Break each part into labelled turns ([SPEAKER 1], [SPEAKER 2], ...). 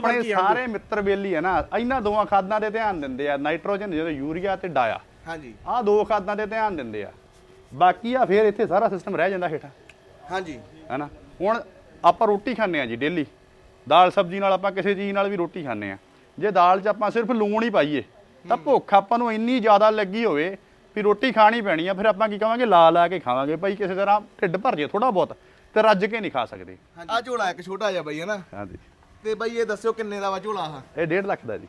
[SPEAKER 1] ਆਪਣੇ ਸਾਰੇ ਮਿੱਤਰ ਬੇਲੀ ਹੈ ਨਾ ਇਹਨਾਂ ਦੋਵਾਂ ਖਾਦਾਂ ਦੇ ਧਿਆਨ ਦਿੰਦੇ ਆ, ਨਾਈਟ੍ਰੋਜਨ ਜਦੋਂ ਯੂਰੀਆ ਤੇ ਡਾਇਆ।
[SPEAKER 2] ਹਾਂਜੀ
[SPEAKER 1] ਆਹ ਦੋ ਖਾਦਾਂ ਦੇ ਧਿਆਨ ਦਿੰਦੇ ਆ, ਬਾਕੀ ਆ ਫਿਰ ਇੱਥੇ ਸਾਰਾ ਸਿਸਟਮ ਰਹਿ ਜਾਂਦਾ ਹੇਠਾਂ।
[SPEAKER 2] ਹਾਂਜੀ
[SPEAKER 1] ਹੈਨਾ ਹੁਣ ਆਪਾਂ ਰੋਟੀ ਖਾਂਦੇ ਆ ਜੀ ਡੇਲੀ, ਦਾਲ ਸਬਜ਼ੀ ਨਾਲ ਆਪਾਂ ਕਿਸੇ ਚੀਜ਼ ਨਾਲ ਵੀ ਰੋਟੀ ਖਾਂਦੇ ਆ। ਜੇ ਦਾਲ 'ਚ ਆਪਾਂ ਸਿਰਫ ਲੂਣ ਹੀ ਪਾਈਏ ਤਾਂ ਭੁੱਖ ਆਪਾਂ ਨੂੰ ਇੰਨੀ ਜ਼ਿਆਦਾ ਲੱਗੀ ਹੋਵੇ ਵੀ ਰੋਟੀ ਖਾਣੀ ਪੈਣੀ ਆ, ਫਿਰ ਆਪਾਂ ਕੀ ਕਹਾਂਗੇ ਲਾ ਲਾ ਕੇ ਖਾਵਾਂਗੇ ਭਾਈ, ਕਿਸੇ ਤਰ੍ਹਾਂ ਢਿੱਡ ਭਰ ਜੇ ਥੋੜਾ ਬਹੁਤ, ਤੇ ਰੱਜ ਕੇ ਨਹੀਂ ਖਾ ਸਕਦੇ।
[SPEAKER 2] ਆ ਝੋਲਾ ਇੱਕ ਛੋਟਾ ਜਿਹਾ ਬਾਈ ਹੈ ਨਾ।
[SPEAKER 1] ਹਾਂਜੀ
[SPEAKER 2] ਤੇ ਬਾਈ ਇਹ ਦੱਸਿਓ ਕਿੰਨੇ ਦਾ ਵਾ ਝੋਲਾ ਆ?
[SPEAKER 1] ਇਹ 1.5 ਲੱਖ ਦਾ ਜੀ।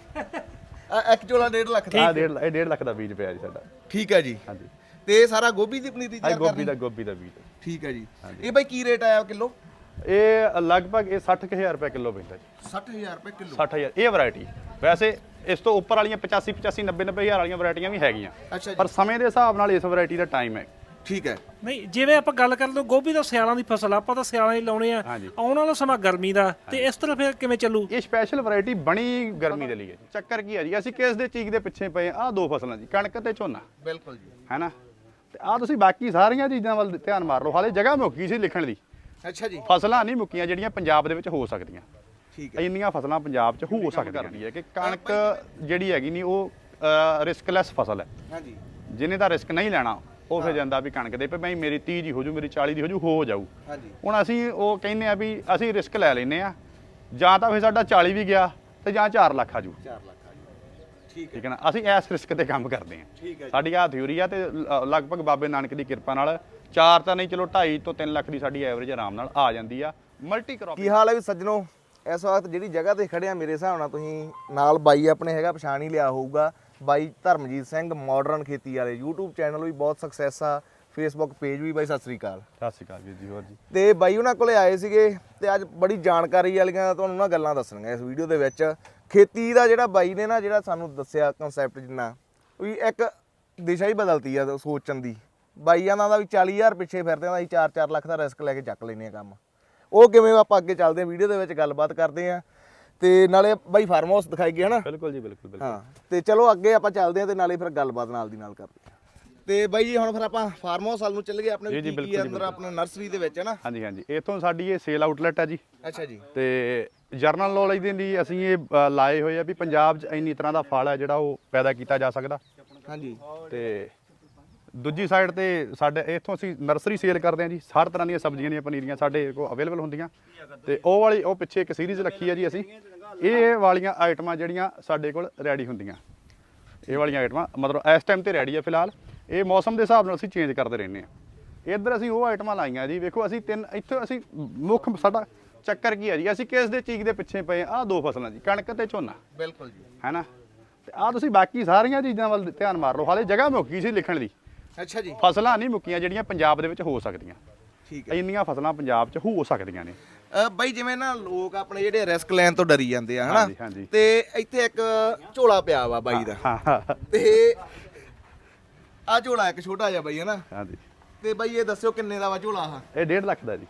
[SPEAKER 2] ਇੱਕ ਝੋਲਾ 1.5 ਲੱਖ ਦਾ?
[SPEAKER 1] ਆ 1.5 ਲੱਖ ਦਾ ਬੀਜ ਪਿਆ ਜੀ ਸਾਡਾ।
[SPEAKER 2] ਠੀਕ ਹੈ ਜੀ।
[SPEAKER 1] ਹਾਂਜੀ
[SPEAKER 2] ਤੇ ਇਹ ਸਾਰਾ ਗੋਭੀ ਦੀ ਪਨੀਰੀ ਤਿਆਰ ਕਰਨੀ?
[SPEAKER 1] ਗੋਭੀ ਦਾ ਬੀਜ।
[SPEAKER 2] ਠੀਕ ਹੈ ਜੀ। ਇਹ ਬਾਈ ਕੀ ਰੇਟ ਆਇਆ ਕਿਲੋ?
[SPEAKER 1] ਇਹ ਲਗਭਗ ਇਹ 60000 ਰੁਪਏ ਕਿਲੋ ਪੈਂਦਾ ਜੀ।
[SPEAKER 2] 60000 ਰੁਪਏ ਕਿਲੋ?
[SPEAKER 1] 60000 ਇਹ ਵੈਰਾਈਟੀ। ਵੈਸੇ ਇਸ ਤੋਂ ਉੱਪਰ ਵਾਲੀਆਂ 85 85 90 90000 ਵਾਲੀਆਂ ਵੈਰਾਈਟੀਆਂ ਵੀ ਹੈਗੀਆਂ,
[SPEAKER 2] ਅੱਛਾ ਜੀ।
[SPEAKER 1] ਪਰ ਸਮੇਂ ਦੇ ਹਿਸਾਬ ਨਾਲ ਇਸ ਵੈਰਾਈਟੀ ਦਾ ਟਾਈਮ ਹੈ।
[SPEAKER 2] ਠੀਕ ਹੈ।
[SPEAKER 3] ਨਹੀਂ ਜਿਵੇਂ ਆਪਾਂ ਗੱਲ ਕਰ ਲਓ ਗੋਭੀ ਦਾ ਸਿਆਲਾਂ ਦੀ ਫਸਲ, ਆਪਾਂ ਤਾਂ ਸਿਆਲਾਂ ਹੀ ਲਾਉਣੇ ਆ, ਆਉਣ ਵਾਲਾ ਸਮਾਂ ਗਰਮੀ ਦਾ, ਤੇ ਇਸ ਤਰ੍ਹਾਂ ਫਿਰ ਕਿਵੇਂ ਚੱਲੂ?
[SPEAKER 1] ਇਹ ਸਪੈਸ਼ਲ ਵੈਰਾਈਟੀ ਬਣੀ ਗਰਮੀ ਦੇ ਲਈ ਹੈ ਜੀ। ਚੱਕਰ ਕੀ ਹੈ ਜੀ, ਅਸੀਂ ਕਿਸ ਦੇ ਚੀਜ਼ ਦੇ ਪਿੱਛੇ ਪਏ ਆ? ਦੋ ਫਸਲਾਂ ਜੀ, ਕਣਕ ਤੇ ਝੋਨਾ।
[SPEAKER 2] ਬਿਲਕੁਲ ਜੀ।
[SPEAKER 1] ਹੈਨਾ, ਤੇ ਆ ਤੁਸੀਂ ਬਾਕੀ ਸਾਰੀਆਂ ਚੀਜ਼ਾਂ ਵੱਲ ਧਿਆਨ ਮਾਰ ਲਓ। ਹਾਲੇ ਜਗ੍ਹਾ ਮੁੱਕੀ ਸੀ ਲਿਖਣ ਦੀ।
[SPEAKER 2] ਅੱਛਾ ਜੀ।
[SPEAKER 1] ਫਸਲਾਂ ਨਹੀਂ ਮੁੱਕੀਆਂ ਜਿਹੜੀਆਂ ਪੰਜਾਬ ਦੇ ਵਿੱਚ ਹੋ ਸਕਦੀਆਂ।
[SPEAKER 2] ਠੀਕ ਹੈ।
[SPEAKER 1] ਇੰਨੀਆਂ ਫਸਲਾਂ ਪੰਜਾਬ 'ਚ ਹੋ ਸਕਦੀਆਂ ਹੈ ਕਿ ਕਣਕ ਜਿਹੜੀ ਹੈਗੀ ਨਹੀਂ ਉਹ ਰਿਸਕਲੈਸ ਫਸਲ ਹੈ।
[SPEAKER 2] ਹਾਂਜੀ।
[SPEAKER 1] ਜਿਹਨੇ ਤਾਂ ਰਿਸਕ ਨਹੀਂ ਲੈਣਾ ਉਹ ਫਿਰ ਜਾਂਦਾ ਵੀ ਕਣਕ ਦੇ ਪਈ ਭਾਈ ਮੇਰੀ 30 ਦੀ ਹੋ ਜੂ, ਮੇਰੀ 40 ਦੀ ਹੋ ਜਾਊ।
[SPEAKER 2] ਹਾਂਜੀ।
[SPEAKER 1] ਹੁਣ ਅਸੀਂ ਉਹ ਕਹਿੰਦੇ ਆ ਵੀ ਅਸੀਂ ਰਿਸਕ ਲੈ ਲੈਨੇ ਆ, ਜਾਂ ਤਾਂ ਫਿਰ ਸਾਡਾ 40 ਵੀ ਗਿਆ ਤੇ ਜਾਂ 4 ਲੱਖ ਆ ਜੂ।
[SPEAKER 2] 4 ਲੱਖ ਆ ਜੀ।
[SPEAKER 1] ਠੀਕ ਹੈ ਨਾ, ਅਸੀਂ ਇਸ ਰਿਸਕ ਤੇ ਕੰਮ ਕਰਦੇ ਆ।
[SPEAKER 2] ਠੀਕ ਹੈ।
[SPEAKER 1] ਸਾਡੀ ਆ ਥਿਊਰੀ ਆ, ਤੇ ਲਗਭਗ ਬਾਬੇ ਨਾਨਕ ਦੀ ਕਿਰਪਾ ਨਾਲ 4 ਤਾਂ ਨਹੀਂ ਚਲੋ 2.5 ਤੋਂ 3 ਲੱਖ ਦੀ ਸਾਡੀ ਐਵਰੇਜ ਆਰਾਮ ਨਾਲ ਆ ਜਾਂਦੀ ਆ ਮਲਟੀ ਕ੍ਰੌਪ।
[SPEAKER 2] ਕੀ ਹਾਲ ਹੈ ਵੀ ਸੱਜਣੋ? ਇਸ ਵਕਤ ਜਿਹੜੀ ਜਗ੍ਹਾ ਤੇ ਖੜੇ ਆ ਮੇਰੇ ਹਿਸਾਬ ਨਾਲ ਤੁਸੀਂ ਨਾਲ ਬਾਈ ਆਪਣੇ ਹੈਗਾ ਪਛਾਣ ਹੀ ਲਿਆ ਹੋਊਗਾ, ਬਾਈ ਧਰਮਜੀਤ ਸਿੰਘ ਮਾਡਰਨ ਖੇਤੀ ਵਾਲੇ। YouTube ਚੈਨਲ ਵੀ ਬਹੁਤ ਸਕਸੈਸ ਆ, Facebook ਪੇਜ ਵੀ। ਬਾਈ ਸਤਿ ਸ੍ਰੀ ਅਕਾਲ।
[SPEAKER 1] ਸਤਿ ਸ਼੍ਰੀ ਅਕਾਲ ਜੀ। ਹੋਰ ਜੀ।
[SPEAKER 2] ਤੇ ਬਾਈ ਉਹਨਾਂ ਕੋਲੇ ਆਏ ਸੀਗੇ ਤੇ ਅੱਜ ਬੜੀ ਜਾਣਕਾਰੀ ਵਾਲੀਆਂ ਤੁਹਾਨੂੰ ਨਾ ਗੱਲਾਂ ਦੱਸਣੀਆਂ ਇਸ ਵੀਡੀਓ ਦੇ ਵਿੱਚ। ਖੇਤੀ ਦਾ ਜਿਹੜਾ ਬਾਈ ਨੇ ਨਾ ਜਿਹੜਾ ਸਾਨੂੰ ਦੱਸਿਆ ਕਨਸੈਪਟ, ਜਿੰਨਾ ਵੀ ਇੱਕ ਦਿਸ਼ਾ ਹੀ ਬਦਲਤੀ ਆ ਸੋਚਣ ਦੀ। ਬਾਈਆਂ ਦਾ ਵੀ 40000 ਪਿੱਛੇ ਫਿਰਦੇ ਆ, ਅਸੀਂ 4-4 ਲੱਖ ਦਾ ਰਿਸਕ ਲੈ ਕੇ ਚੱਕ ਲੈਨੇ ਆ ਕੰਮ। ਉਹ ਕਿਵੇਂ ਆਪਾਂ ਅੱਗੇ ਚੱਲਦੇ ਆ, ਵੀਡੀਓ ਦੇ ਵਿੱਚ ਗੱਲਬਾਤ ਕਰਦੇ ਆ, ਤੇ ਨਾਲੇ ਬਾਈ ਫਾਰਮ ਹਾਊਸ ਦਿਖਾਈ ਗਿਆ ਹਨਾ।
[SPEAKER 1] ਬਿਲਕੁਲ ਜੀ, ਬਿਲਕੁਲ ਬਿਲਕੁਲ।
[SPEAKER 2] ਹਾਂ, ਤੇ ਚਲੋ ਅੱਗੇ ਆਪਾਂ ਚੱਲਦੇ ਆ ਤੇ ਨਾਲੇ ਫਿਰ ਗੱਲਬਾਤ ਨਾਲ ਦੀ ਨਾਲ ਕਰਦੇ ਆ। ਤੇ ਬਾਈ ਜੀ ਹੁਣ ਫਿਰ ਆਪਾਂ ਫਾਰਮ ਹਾਊਸ ਵੱਲ ਨੂੰ ਚੱਲ ਗਏ। ਆਪਣੇ ਕੀ ਅੰਦਰ ਆਪਣਾ ਨਰਸਰੀ ਦੇ ਵਿੱਚ ਹੈ ਨਾ?
[SPEAKER 1] ਹਾਂਜੀ ਹਾਂਜੀ, ਇਥੋਂ ਸਾਡੀ ਇਹ ਸੇਲ ਆਊਟਲੈਟ ਹੈ ਜੀ।
[SPEAKER 2] ਅੱਛਾ ਜੀ।
[SPEAKER 1] ਤੇ ਜਰਨਲ ਨੌਲੇਜ ਦੇ ਲਈ ਅਸੀਂ ਇਹ ਲਾਏ ਹੋਏ ਆ ਵੀ ਪੰਜਾਬ 'ਚ ਇੰਨੀ ਤਰ੍ਹਾਂ ਦਾ ਫਲ ਹੈ ਜਿਹੜਾ ਉਹ ਪੈਦਾ ਕੀਤਾ ਜਾ ਸਕਦਾ।
[SPEAKER 2] ਹਾਂਜੀ।
[SPEAKER 1] ਤੇ ਦੂਜੀ ਸਾਈਡ ਤੇ ਸਾਡੇ ਇੱਥੋਂ ਅਸੀਂ ਨਰਸਰੀ ਸੇਲ ਕਰਦੇ ਹਾਂ ਜੀ। ਹਰ ਤਰ੍ਹਾਂ ਦੀਆਂ ਸਬਜ਼ੀਆਂ ਦੀਆਂ ਪਨੀਰੀਆਂ ਸਾਡੇ ਕੋਲ ਅਵੇਲੇਬਲ ਹੁੰਦੀਆਂ। ਤੇ ਉਹ ਪਿੱਛੇ ਇੱਕ ਸੀਰੀਜ਼ ਰੱਖੀ ਹੈ ਜੀ ਅਸੀਂ। ਇਹ ਵਾਲੀਆਂ ਆਈਟਮਾਂ ਜਿਹੜੀਆਂ ਸਾਡੇ ਕੋਲ ਰੈਡੀ ਹੁੰਦੀਆਂ, ਇਹ ਵਾਲੀਆਂ ਆਈਟਮਾਂ ਮਤਲਬ ਇਸ ਟਾਈਮ ਤੇ ਰੈਡੀ ਹੈ ਫਿਲਹਾਲ। ਇਹ ਮੌਸਮ ਦੇ ਹਿਸਾਬ ਨਾਲ ਅਸੀਂ ਚੇਂਜ ਕਰਦੇ ਰਹਿੰਦੇ ਹਾਂ। ਇੱਧਰ ਅਸੀਂ ਉਹ ਆਈਟਮਾਂ ਲਾਈਆਂ ਜੀ। ਵੇਖੋ ਅਸੀਂ ਇੱਥੇ ਅਸੀਂ ਮੁੱਖ ਸਾਡਾ ਚੱਕਰ ਕੀ ਹੈ ਜੀ, ਅਸੀਂ ਕਿਸ ਦੇ ਚੀਜ਼ ਦੇ ਪਿੱਛੇ ਪਏ ਆ? ਦੋ ਫਸਲਾਂ ਜੀ, ਕਣਕ ਤੇ ਝੋਨਾ।
[SPEAKER 2] ਬਿਲਕੁਲ ਜੀ।
[SPEAKER 1] ਹੈਨਾ, ਤੇ ਆ ਤੁਸੀਂ ਬਾਕੀ ਸਾਰੀਆਂ ਚੀਜ਼ਾਂ ਵੱਲ ਧਿਆਨ ਮਾਰ ਲਓ। ਹਾਲੇ ਜਗ੍ਹਾ ਮੁੱਕੀ ਸੀ ਲਿਖਣ ਦੀ।
[SPEAKER 2] ਅੱਛਾ ਜੀ।
[SPEAKER 1] ਫਸਲਾਂ ਨਹੀਂ ਮੁੱਕੀਆਂ ਜਿਹੜੀਆਂ ਪੰਜਾਬ ਦੇ ਵਿੱਚ ਹੋ ਸਕਦੀਆਂ।
[SPEAKER 2] ਠੀਕ ਹੈ।
[SPEAKER 1] ਇੰਨੀਆਂ ਫਸਲਾਂ ਪੰਜਾਬ 'ਚ ਹੋ ਸਕਦੀਆਂ ਨੇ।
[SPEAKER 2] ਬਾਈ ਜਿਵੇਂ ਨਾ ਲੋਕ ਆਪਣੇ ਜਿਹੜੇ ਰਿਸਕ ਲੈਣ ਤੋਂ ਡਰੀ ਜਾਂਦੇ ਆ ਹਨਾ,
[SPEAKER 1] ਹਾਂਜੀ।
[SPEAKER 2] ਤੇ ਇੱਥੇ ਇੱਕ ਝੋਲਾ ਪਿਆ ਵਾ ਬਾਈ ਦਾ।
[SPEAKER 1] ਹਾਂ।
[SPEAKER 2] ਤੇ ਆ ਝੋਲਾ ਇੱਕ ਛੋਟਾ ਜਿਹਾ ਬਾਈ ਹੈ ਨਾ।
[SPEAKER 1] ਹਾਂਜੀ।
[SPEAKER 2] ਤੇ ਬਾਈ ਇਹ ਦੱਸਿਓ ਕਿੰਨੇ ਦਾ ਵਾ ਝੋਲਾ ਆ?
[SPEAKER 1] ਇਹ 1.5 ਲੱਖ ਦਾ ਜੀ।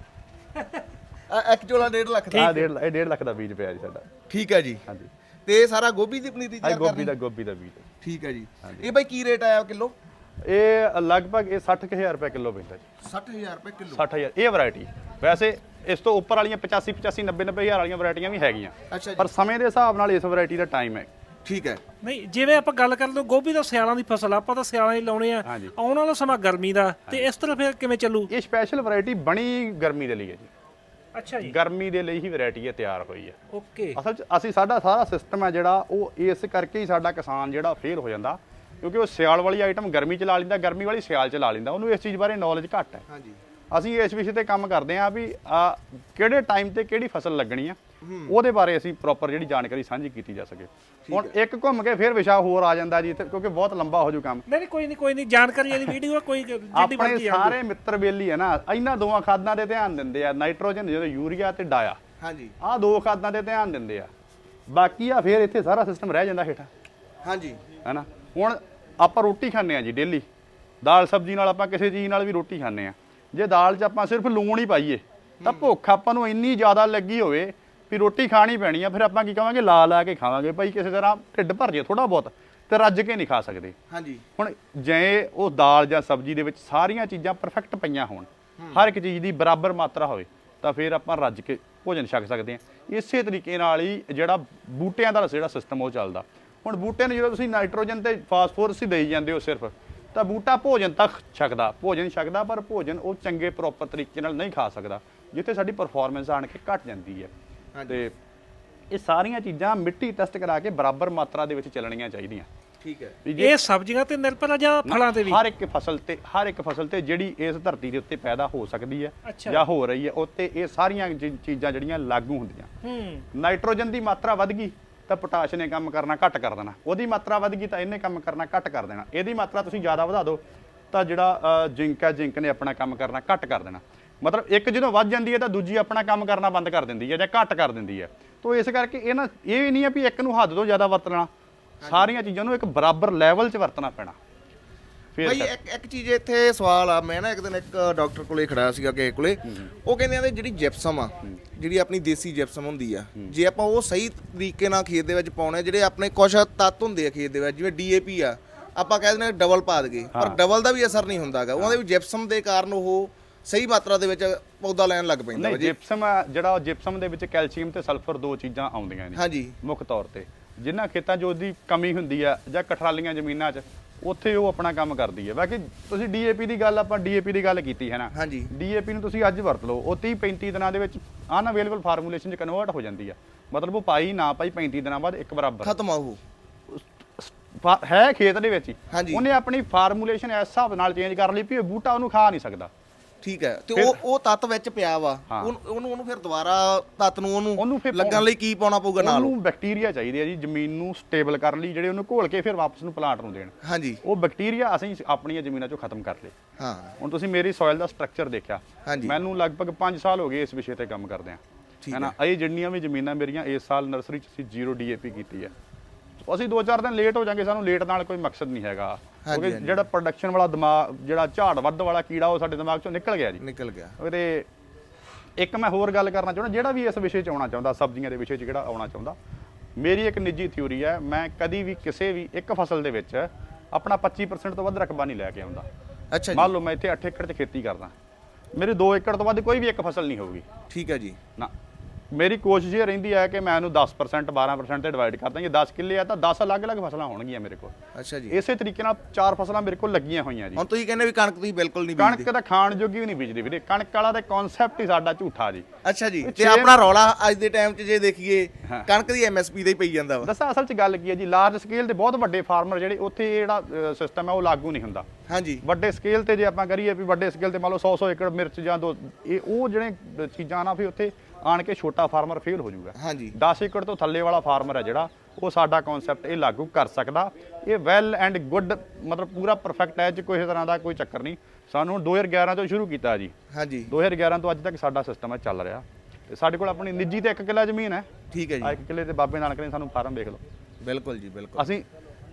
[SPEAKER 2] ਇੱਕ ਝੋਲਾ 1.5 ਲੱਖ ਦਾ?
[SPEAKER 1] ਇਹ 1.5 ਲੱਖ ਦਾ ਬੀਜ ਪਿਆ ਜੀ ਸਾਡਾ।
[SPEAKER 2] ਠੀਕ ਹੈ ਜੀ।
[SPEAKER 1] ਹਾਂਜੀ।
[SPEAKER 2] ਤੇ ਇਹ ਸਾਰਾ ਗੋਭੀ ਦੀ ਪਨੀਰੀ ਤਿਆਰ ਕਰਨੀ?
[SPEAKER 1] ਗੋਭੀ ਦਾ ਬੀਜ।
[SPEAKER 2] ਠੀਕ ਹੈ ਜੀ। ਇਹ ਬਾਈ ਕੀ ਰੇਟ ਆਇਆ ਕਿਲੋ?
[SPEAKER 1] ਇਹ ਲਗਭਗ ਇਹ 60000 ਰੁਪਏ ਕਿਲੋ ਪੈਂਦਾ ਜੀ।
[SPEAKER 2] 60000 ਰੁਪਏ ਕਿਲੋ?
[SPEAKER 1] 60000 ਇਹ ਵੈਰਾਈਟੀ। ਵੈਸੇ ਇਸ ਤੋਂ ਉੱਪਰ ਵਾਲੀਆਂ 85 85 90 90000 ਵਾਲੀਆਂ ਵੈਰਾਈਟੀਆਂ ਵੀ ਹੈਗੀਆਂ,
[SPEAKER 2] ਅੱਛਾ ਜੀ।
[SPEAKER 1] ਪਰ ਸਮੇਂ ਦੇ ਹਿਸਾਬ ਨਾਲ ਇਸ ਵੈਰਾਈਟੀ ਦਾ ਟਾਈਮ ਹੈ।
[SPEAKER 2] ਠੀਕ ਹੈ।
[SPEAKER 3] ਨਹੀਂ ਜਿਵੇਂ ਆਪਾਂ ਗੱਲ ਕਰ ਲਓ ਗੋਭੀ ਦਾ ਸਿਆਲਾਂ ਦੀ ਫਸਲ, ਆਪਾਂ ਤਾਂ ਸਿਆਲਾਂ ਹੀ ਲਾਉਣੇ ਆ, ਆਉਣ ਵਾਲਾ ਸਮਾਂ ਗਰਮੀ ਦਾ, ਤੇ ਇਸ ਤਰ੍ਹਾਂ ਫਿਰ ਕਿਵੇਂ ਚੱਲੂ?
[SPEAKER 1] ਇਹ ਸਪੈਸ਼ਲ ਵੈਰਾਈਟੀ ਬਣੀ ਗਰਮੀ ਦੇ ਲਈ ਹੈ ਜੀ।
[SPEAKER 3] ਅੱਛਾ ਜੀ।
[SPEAKER 1] ਗਰਮੀ ਦੇ ਲਈ ਹੀ ਵੈਰਾਈਟੀ ਇਹ ਤਿਆਰ ਹੋਈ ਹੈ।
[SPEAKER 3] ਓਕੇ।
[SPEAKER 1] ਅਸਲ 'ਚ ਅਸੀਂ ਸਾਡਾ ਸਾਰਾ ਸਿਸਟਮ ਹੈ ਜਿਹੜਾ ਉਹ ਇਸ ਕਰਕੇ ਹੀ ਸਾਡਾ ਕਿਸਾਨ ਜਿਹੜਾ ਫੇਲ ਹੋ ਜਾਂਦਾ, ਕਿਉਂਕਿ ਉਹ ਸਿਆਲ ਵਾਲੀ ਆਈਟਮ ਗਰਮੀ 'ਚ ਲਾ ਲੈਂਦਾ, ਗਰਮੀ ਵਾਲੀ ਸਿਆਲ 'ਚ ਲਾ ਲੈਂਦਾ। ਉਹਨੂੰ ਇਸ ਚੀਜ਼ ਬਾਰੇ ਨੌਲੇਜ ਘੱਟ ਹੈ।
[SPEAKER 2] ਹਾਂਜੀ।
[SPEAKER 1] ਅਸੀਂ ਇਸ ਵਿਸ਼ੇ ਤੇ ਕੰਮ ਕਰਦੇ ਹਾਂ ਵੀ ਕਿਹੜੇ ਟਾਈਮ ਤੇ ਕਿਹੜੀ ਫਸਲ ਲੱਗਣੀ ਆ, ਉਹਦੇ ਬਾਰੇ ਅਸੀਂ ਪ੍ਰੋਪਰ ਜਿਹੜੀ ਜਾਣਕਾਰੀ ਸਾਂਝੀ ਕੀਤੀ ਜਾ ਸਕੇ। ਹੁਣ ਇੱਕ ਘੁੰਮ ਕੇ ਫਿਰ ਵਿਸ਼ਾ ਹੋਰ ਆ ਜਾਂਦਾ ਜੀ ਇੱਥੇ, ਕਿਉਂਕਿ ਬਹੁਤ ਲੰਬਾ ਹੋ ਜੂ ਕੰਮ।
[SPEAKER 3] ਨਹੀਂ ਕੋਈ ਨਹੀਂ ਜਾਣਕਾਰੀ ਵਾਲੀ ਵੀਡੀਓ ਕੋਈ
[SPEAKER 1] ਆਪਣੇ ਸਾਰੇ ਮਿੱਤਰ ਬੇਲੀ ਹੈ ਨਾ ਇਹਨਾਂ ਦੋਵਾਂ ਖਾਦਾਂ ਦੇ ਧਿਆਨ ਦਿੰਦੇ ਆ, ਨਾਈਟ੍ਰੋਜਨ ਜਦੋਂ ਯੂਰੀਆ ਤੇ ਡਾਇਆ।
[SPEAKER 2] ਹਾਂਜੀ।
[SPEAKER 1] ਆਹ ਦੋ ਖਾਦਾਂ ਦੇ ਧਿਆਨ ਦਿੰਦੇ ਆ, ਬਾਕੀ ਆ ਫਿਰ ਇੱਥੇ ਸਾਰਾ ਸਿਸਟਮ ਰਹਿ ਜਾਂਦਾ ਹੇਠਾਂ।
[SPEAKER 2] ਹਾਂਜੀ।
[SPEAKER 1] ਹੈਨਾ, ਹੁਣ ਆਪਾਂ ਰੋਟੀ ਖਾਂਦੇ ਆ ਜੀ ਡੇਲੀ, ਦਾਲ ਸਬਜ਼ੀ ਨਾਲ ਆਪਾਂ ਕਿਸੇ ਚੀਜ਼ ਨਾਲ ਵੀ ਰੋਟੀ ਖਾਂਦੇ ਆ। ਜੇ ਦਾਲ 'ਚ ਆਪਾਂ ਸਿਰਫ ਲੂਣ ਹੀ ਪਾਈਏ ਤਾਂ ਭੁੱਖ ਆਪਾਂ ਨੂੰ ਇੰਨੀ ਜ਼ਿਆਦਾ ਲੱਗੀ ਹੋਵੇ ਵੀ ਰੋਟੀ ਖਾਣੀ ਪੈਣੀ ਆ, ਫਿਰ ਆਪਾਂ ਕੀ ਕਹਾਂਗੇ ਲਾ ਲਾ ਕੇ ਖਾਵਾਂਗੇ ਭਾਈ, ਕਿਸੇ ਤਰ੍ਹਾਂ ਢਿੱਡ ਭਰ ਜੇ ਥੋੜਾ ਬਹੁਤ, ਤੇ ਰੱਜ ਕੇ ਨਹੀਂ ਖਾ ਸਕਦੇ।
[SPEAKER 2] ਹਾਂਜੀ।
[SPEAKER 1] ਹੁਣ ਜੇ ਉਹ ਦਾਲ ਜਾਂ ਸਬਜ਼ੀ ਦੇ ਵਿੱਚ ਸਾਰੀਆਂ ਚੀਜ਼ਾਂ ਪਰਫੈਕਟ ਪਈਆਂ ਹੋਣ, ਹਰ ਇੱਕ ਚੀਜ਼ ਦੀ ਬਰਾਬਰ ਮਾਤਰਾ ਹੋਵੇ, ਤਾਂ ਫਿਰ ਆਪਾਂ ਰੱਜ ਕੇ ਭੋਜਨ ਛਕ ਸਕਦੇ ਆ। ਇਸੇ ਤਰੀਕੇ ਨਾਲ ਹੀ ਜਿਹੜਾ ਬੂਟਿਆਂ ਦਾ ਜਿਹੜਾ ਸਿਸਟਮ ਉਹ ਚੱਲਦਾ। ਹੁਣ ਬੂਟਿਆਂ ਨੂੰ ਜਦੋਂ ਤੁਸੀਂ ਨਾਈਟ੍ਰੋਜਨ ਤੇ ਫਾਸਫੋਰਸ ਹੀ ਦੇਈ ਜਾਂਦੇ ਹੋ ਸਿਰਫ, ਤਾਂ ਬੂਟਾ ਭੋਜਨ ਤੱਕ ਛਕਦਾ, ਭੋਜਨ ਛਕਦਾ, ਪਰ ਭੋਜਨ ਉਹ ਚੰਗੇ ਪ੍ਰੋਪਰ ਤਰੀਕੇ ਨਾਲ ਨਹੀਂ ਖਾ ਸਕਦਾ, ਜਿੱਥੇ ਸਾਡੀ ਪਰਫਾਰਮੈਂਸ ਆਣ ਕੇ ਘਟ ਜਾਂਦੀ ਹੈ। ਤੇ ਇਹ ਸਾਰੀਆਂ ਚੀਜ਼ਾਂ ਮਿੱਟੀ ਟੈਸਟ ਕਰਾ ਕੇ ਬਰਾਬਰ ਮਾਤਰਾ ਦੇ ਵਿੱਚ ਚੱਲਣੀਆਂ ਚਾਹੀਦੀਆਂ।
[SPEAKER 2] ਠੀਕ ਹੈ।
[SPEAKER 3] ਇਹ ਸਬਜ਼ੀਆਂ ਤੇ ਨਿਰਭਰ ਆ ਜਾਂ ਫਲਾਂ ਤੇ ਵੀ?
[SPEAKER 1] ਹਰ ਇੱਕ ਫਸਲ ਤੇ ਜਿਹੜੀ ਇਸ ਧਰਤੀ ਦੇ ਉੱਤੇ ਪੈਦਾ ਹੋ ਸਕਦੀ ਹੈ ਜਾਂ ਹੋ ਰਹੀ ਹੈ, ਉੱਤੇ ਇਹ ਸਾਰੀਆਂ ਚੀਜ਼ਾਂ ਜਿਹੜੀਆਂ ਲਾਗੂ ਹੁੰਦੀਆਂ। ਨਾਈਟ੍ਰੋਜਨ ਦੀ ਮਾਤਰਾ ਵੱਧ ਗਈ ਤਾਂ ਪੋਟਾਸ਼ ਨੇ ਕੰਮ ਕਰਨਾ ਘੱਟ ਕਰ ਦੇਣਾ, ਉਹਦੀ ਮਾਤਰਾ ਵੱਧ ਗਈ ਤਾਂ ਇਹਨੇ ਕੰਮ ਕਰਨਾ ਘੱਟ ਕਰ ਦੇਣਾ, ਇਹਦੀ ਮਾਤਰਾ ਤੁਸੀਂ ਜ਼ਿਆਦਾ ਵਧਾ ਦਿਓ ਤਾਂ ਜਿਹੜਾ ਜ਼ਿੰਕ ਹੈ, ਜ਼ਿੰਕ ਨੇ ਆਪਣਾ ਕੰਮ ਕਰਨਾ ਘੱਟ ਕਰ ਦੇਣਾ। ਮਤਲਬ ਇੱਕ ਜਦੋਂ ਵੱਧ ਜਾਂਦੀ ਹੈ ਤਾਂ ਦੂਜੀ ਆਪਣਾ ਕੰਮ ਕਰਨਾ ਬੰਦ ਕਰ ਦਿੰਦੀ ਹੈ ਜਾਂ ਘੱਟ ਕਰ ਦਿੰਦੀ ਹੈ। ਤਾਂ ਇਸ ਕਰਕੇ ਇਹ ਵੀ ਨਹੀਂ ਹੈ ਵੀ ਇੱਕ ਨੂੰ ਹੱਦ ਤੋਂ ਜ਼ਿਆਦਾ ਵਰਤਣਾ, ਸਾਰੀਆਂ ਚੀਜ਼ਾਂ ਨੂੰ ਇੱਕ ਬਰਾਬਰ ਲੈਵਲ 'ਚ ਵਰਤਣਾ ਪੈਣਾ।
[SPEAKER 2] ਭਾਈ ਇੱਕ ਚੀਜ਼ ਇੱਥੇ ਸਵਾਲ ਆ, ਮੈਂ ਨਾ ਇੱਕ ਦਿਨ ਇੱਕ ਡਾਕਟਰ ਕੋਲੇ ਖੜਾ ਸੀਗਾ ਕਿਸੇ ਕੋਲੇ, ਉਹ ਕਹਿੰਦੇ ਆ ਜਿਹੜੀ ਜਿਪਸਮ ਆ, ਜਿਹੜੀ ਆਪਣੀ ਦੇਸੀ ਜਿਪਸਮ ਹੁੰਦੀ ਆ, ਜੇ ਆਪਾਂ ਉਹ ਸਹੀ ਤਰੀਕੇ ਨਾਲ ਖੇਤ ਦੇ ਵਿੱਚ ਪਾਉਣੇ, ਜਿਹੜੇ ਆਪਣੇ ਕੁਝ ਤੱਤ ਹੁੰਦੇ ਆ ਖੇਤ ਦੇ ਵਿੱਚ, ਜਿਵੇਂ DAP ਆ, ਆਪਾਂ ਕਹਿ ਦਿੰਦੇ ਡਬਲ ਪਾ ਦਈਏ, ਪਰ ਡਬਲ ਦਾ ਵੀ ਅਸਰ ਨਹੀਂ ਹੁੰਦਾਗਾ, ਉਹਨਾਂ ਦੇ ਵੀ ਜਿਪਸਮ ਦੇ ਕਾਰਨ ਉਹ ਸਹੀ ਮਾਤਰਾ ਦੇ ਵਿੱਚ ਪੌਦਾ ਲੈਣ ਲੱਗ ਪੈਂਦਾ।
[SPEAKER 1] ਨਹੀਂ, ਜਿਪਸਮ ਦੇ ਵਿੱਚ ਕੈਲਸ਼ੀਅਮ ਤੇ ਸਲਫਰ ਦੋ ਚੀਜ਼ਾਂ ਆਉਂਦੀਆਂ ਨੇ
[SPEAKER 2] ਹਾਂਜੀ ਮੁੱਖ
[SPEAKER 1] ਤੌਰ ਤੇ। ਜਿਨ੍ਹਾਂ ਖੇਤਾਂ 'ਚ ਉਹਦੀ ਕਮੀ ਹੁੰਦੀ ਆ ਜਾਂ ਕਠਰਾਲੀਆਂ ਜ਼ਮੀਨਾਂ 'ਚ, ਉੱਥੇ ਉਹ ਆਪਣਾ ਕੰਮ ਕਰਦੀ ਹੈ। ਬਾਕੀ ਤੁਸੀਂ DAP ਦੀ ਗੱਲ, ਆਪਾਂ DAP ਦੀ ਗੱਲ ਕੀਤੀ ਹੈ ਨਾ,
[SPEAKER 2] ਹਾਂਜੀ,
[SPEAKER 1] DAP ਨੂੰ ਤੁਸੀਂ ਅੱਜ ਵਰਤ ਲਓ, ਉਹ 30-35 ਦਿਨਾਂ ਦੇ ਵਿੱਚ ਅਨਅਵੇਲੇਬਲ ਫਾਰਮੂਲੇਸ਼ਨ 'ਚ ਕਨਵਰਟ ਹੋ ਜਾਂਦੀ ਆ। ਮਤਲਬ ਉਹ ਪਾਈ ਨਾ ਪਾਈ 35 ਦਿਨਾਂ ਬਾਅਦ ਇੱਕ ਬਰਾਬਰ
[SPEAKER 2] ਖਤਮ ਆ ਉਹ
[SPEAKER 1] ਹੈ ਖੇਤ ਦੇ ਵਿੱਚ ਹੀ।
[SPEAKER 2] ਹਾਂਜੀ,
[SPEAKER 1] ਉਹਨੇ ਆਪਣੀ ਫਾਰਮੂਲੇਸ਼ਨ ਇਸ ਹਿਸਾਬ ਨਾਲ ਚੇਂਜ ਕਰ ਲਈ ਵੀ ਇਹ ਬੂਟਾ ਉਹਨੂੰ ਖਾ ਨਹੀਂ ਸਕਦਾ।
[SPEAKER 2] ਠੀਕ ਹੈ। ਤੇ ਉਹ ਤੱਤ ਵਿੱਚ ਪਿਆ ਵਾ, ਉਹਨੂੰ ਫਿਰ ਦੁਬਾਰਾ ਤੱਤ ਨੂੰ ਉਹਨੂੰ ਲੱਗਣ ਲਈ ਕੀ ਪਾਉਣਾ ਪਊਗਾ ਨਾਲ?
[SPEAKER 1] ਉਹਨੂੰ ਬੈਕਟੀਰੀਆ ਚਾਹੀਦੇ ਆ ਜੀ ਜ਼ਮੀਨ ਨੂੰ ਸਟੇਬਲ ਕਰਨ ਲਈ, ਜਿਹੜੇ ਉਹਨੂੰ ਘੋਲ ਕੇ ਫਿਰ ਵਾਪਸ ਨੂੰ ਪਲਾਂਟ ਨੂੰ ਦੇਣ।
[SPEAKER 2] ਹਾਂਜੀ,
[SPEAKER 1] ਉਹ ਬੈਕਟੀਰੀਆ ਅਸੀਂ ਆਪਣੀਆਂ ਜ਼ਮੀਨਾਂ 'ਚੋਂ ਖਤਮ ਕਰ ਲਏ।
[SPEAKER 2] ਹਾਂ, ਹੁਣ
[SPEAKER 1] ਤੁਸੀਂ ਮੇਰੀ ਸੋਇਲ ਦਾ ਸਟਰਕਚਰ ਦੇਖਿਆ, ਮੈਨੂੰ ਲਗਭਗ 5 ਸਾਲ ਹੋ ਗਏ ਇਸ ਵਿਸ਼ੇ ਤੇ ਕੰਮ ਕਰਦੇ ਆ, ਹੈ ਨਾ। ਇਹ ਜਿੰਨੀਆਂ ਵੀ ਜ਼ਮੀਨਾਂ ਮੇਰੀਆਂ ਇਸ ਸਾਲ ਨਰਸਰੀ 'ਚ ਅਸੀਂ 0 DAP ਕੀਤੀ ਹੈ। ਅਸੀਂ 2-4 ਦਿਨ ਲੇਟ ਹੋ ਜਾਾਂਗੇ, ਸਾਨੂੰ ਲੇਟ ਨਾਲ ਕੋਈ ਮਕਸਦ ਨਹੀਂ ਹੈਗਾ, ਕਿਉਂਕਿ ਜਿਹੜਾ ਪ੍ਰੋਡਕਸ਼ਨ ਵਾਲਾ ਦਿਮਾਗ, ਜਿਹੜਾ ਝਾੜ ਵੱਧ ਵਾਲਾ ਕੀੜਾ, ਉਹ ਸਾਡੇ ਦਿਮਾਗ 'ਚੋਂ ਨਿਕਲ ਗਿਆ ਜੀ, ਨਿਕਲ ਗਿਆ। ਤੇ ਇੱਕ ਮੈਂ ਹੋਰ ਗੱਲ ਕਰਨਾ ਚਾਹੁੰਦਾ, ਜਿਹੜਾ ਵੀ ਇਸ ਵਿਸ਼ੇ 'ਚ ਆਉਣਾ ਚਾਹੁੰਦਾ, ਸਬਜ਼ੀਆਂ ਦੇ ਵਿਸ਼ੇ 'ਚ ਜਿਹੜਾ ਆਉਣਾ ਚਾਹੁੰਦਾ, ਮੇਰੀ ਇੱਕ ਨਿੱਜੀ ਥਿਊਰੀ ਹੈ, ਮੈਂ ਕਦੀ ਵੀ ਕਿਸੇ ਵੀ ਇੱਕ ਫਸਲ ਦੇ ਵਿੱਚ ਆਪਣਾ 25% ਤੋਂ ਵੱਧ ਰਕਬਾ ਨਹੀਂ ਲੈ ਕੇ ਆਉਂਦਾ। ਅੱਛਾ, ਮੰਨ ਲਓ ਮੈਂ ਇੱਥੇ 8 ਏਕੜ 'ਚ ਖੇਤੀ ਕਰਦਾ, ਮੇਰੇ 2 ਏਕੜ ਤੋਂ ਵੱਧ ਕੋਈ ਵੀ ਇੱਕ ਫਸਲ ਨਹੀਂ ਹੋਊਗੀ। ਠੀਕ ਹੈ ਜੀ ਨਾ, ਮੇਰੀ ਕੋਸ਼ਿਸ਼ ਇਹ ਰਹਿੰਦੀ ਹੈ ਕਿ ਮੈਂ ਇਹਨੂੰ 10% 12% ਤੇ ਡਿਵਾਈਡ ਕਰਦਾ। ਜੇ 10 ਕਿੱਲੇ ਆ ਤਾਂ 10 ਅਲੱਗ-ਅਲੱਗ ਫਸਲਾਂ ਹੋਣਗੀਆਂ ਮੇਰੇ ਕੋਲ। ਅੱਛਾ ਜੀ, ਇਸੇ ਤਰੀਕੇ ਨਾਲ 4 ਫਸਲਾਂ ਮੇਰੇ ਕੋਲ ਲੱਗੀਆਂ ਹੋਈਆਂ ਜੀ। ਹੁਣ ਤੁਸੀਂ ਕਹਿੰਦੇ ਵੀ ਕਣਕ ਤੁਸੀਂ ਬਿਲਕੁਲ ਨਹੀਂ ਬੀਜਦੇ? ਕਣਕ ਤਾਂ ਖਾਣ ਜੋਗੀ ਵੀ ਨਹੀਂ ਬੀਜਦੇ ਵੀਰੇ, ਕਣਕ ਵਾਲਾ ਤਾਂ ਕਨਸੈਪਟ ਹੀ ਸਾਡਾ ਝੂਠਾ ਜੀ। ਅੱਛਾ ਜੀ, ਤੇ ਆਪਣਾ ਰੌਲਾ ਅੱਜ ਦੇ ਟਾਈਮ 'ਚ ਜੇ ਦੇਖੀਏ, ਕਣਕ ਦੀ MSP ਦਾ ਹੀ ਪਈ ਜਾਂਦਾ ਵਾ। ਦੱਸਾਂ ਅਸਲ 'ਚ ਗੱਲ ਕੀ ਹੈ ਜੀ, ਲਾਰਜ ਸਕੇਲ ਦੇ ਬਹੁਤ ਵੱਡੇ ਫਾਰਮਰ ਜਿਹੜੇ, ਉੱਥੇ ਜਿਹੜਾ ਸਿਸਟਮ ਹੈ ਉਹ ਲਾਗੂ ਨਹੀਂ ਹੁੰਦਾ। ਹਾਂਜੀ, ਵੱਡੇ ਸਕੇਲ ਤੇ ਜੇ ਆਪਾਂ ਕਰੀਏ ਵੀ ਵੱਡੇ ਸਕੇਲ ਤੇ ਮੰਨ ਲਓ 100 ਏਕੜ ਮਿਰਚ ਜਾਂ ਉਹ ਜਿਹੜੇ ਚੀਜ਼ਾਂ ਨਾ, ਫਿਰ ਉੱਥੇ ਆਣ ਕੇ ਛੋਟਾ ਫਾਰਮਰ ਫੇਲ ਹੋ ਜਾਊਗਾ। ਹਾਂਜੀ, 10 ਏਕੜ ਤੋਂ ਥੱਲੇ ਵਾਲਾ ਫਾਰਮਰ ਹੈ ਜਿਹੜਾ, ਉਹ ਸਾਡਾ ਕਨਸੈਪਟ ਇਹ ਲਾਗੂ ਕਰ ਸਕਦਾ। ਇਹ ਵੈਲ ਐਂਡ ਗੁੱਡ, ਮਤਲਬ ਪੂਰਾ ਪਰਫੈਕਟ ਹੈ, ਕੋਈ ਤਰ੍ਹਾਂ ਦਾ ਕੋਈ ਚੱਕਰ ਨਹੀਂ। ਸਾਨੂੰ 2011 ਤੋਂ ਸ਼ੁਰੂ ਕੀਤਾ ਜੀ। ਹਾਂਜੀ, 2011 ਤੋਂ ਅੱਜ ਤੱਕ ਸਾਡਾ ਸਿਸਟਮ ਹੈ ਚੱਲ ਰਿਹਾ। ਤੇ ਸਾਡੇ ਕੋਲ ਆਪਣੀ ਨਿੱਜੀ ਤੇ 1 ਕਿੱਲਾ ਜ਼ਮੀਨ ਹੈ। ਠੀਕ ਹੈ ਜੀ, 1 ਕਿੱਲੇ ਤੇ ਬਾਬੇ ਨਾਨਕ ਨੇ ਸਾਨੂੰ ਫਾਰਮ ਵੇਖ ਲਓ। ਬਿਲਕੁਲ ਜੀ, ਬਿਲਕੁਲ। ਅਸੀਂ